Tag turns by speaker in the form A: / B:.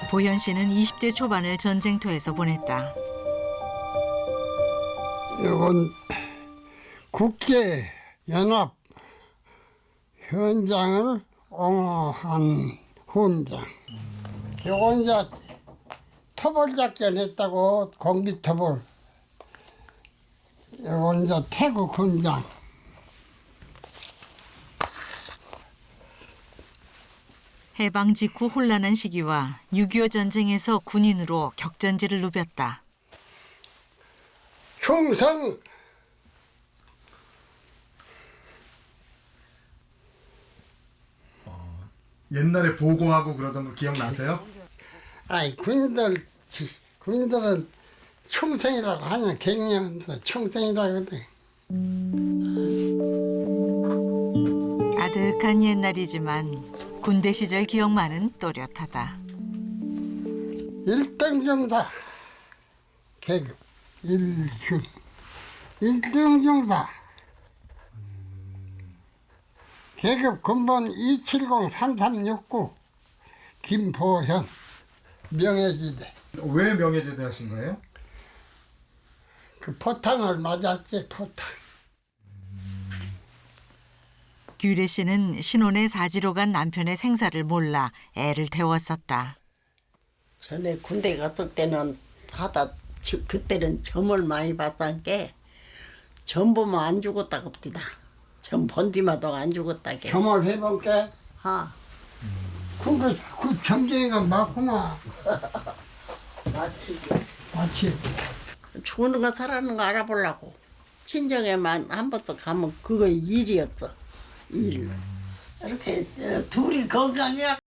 A: 보현 씨는 20대 초반을 전쟁터에서 보냈다.
B: 이건 국제 연합 현장을 옹호한 훈장. 이건 이제 터벌 작전 했다고 공비 터벌. 이건 이제 태국 훈장.
A: 해방 직후 혼란한 시기와 6.25 전쟁에서 군인으로 격전지를 누볐다.
B: 충성.
C: 옛날에 보고하고 그러던 거 기억나세요?
B: 아이 군인들은 충성이라고 하냐 갱년에서 충성이라고 그래.
A: 아득한 옛날이지만 군대 시절 기억만은 또렷하다.
B: 1등 중사 계급 1등 중사 계급 군번 2703369 김보현 명예지대.
C: 왜 명예제대 하신 거예요?
B: 그 포탄을 맞았지 포탄.
A: 규래 씨는 신혼에 사지로 간 남편의 생사를 몰라 애를 태웠었다.
D: 전에 군대 갔을 때는 그때는 점을 많이 봤던 게 점 보면 안 죽었다 겁디다. 점 본 뒤마다 안 죽었다게.
B: 점을 해볼게.
D: 아,
B: 그 점쟁이가 맞구나.
D: 마치
B: 맞지.
D: 죽는 거 살아는 거 알아보려고. 친정에만 한 번도 가면 그거 일이었어. 일. 이렇게 둘이 건강해야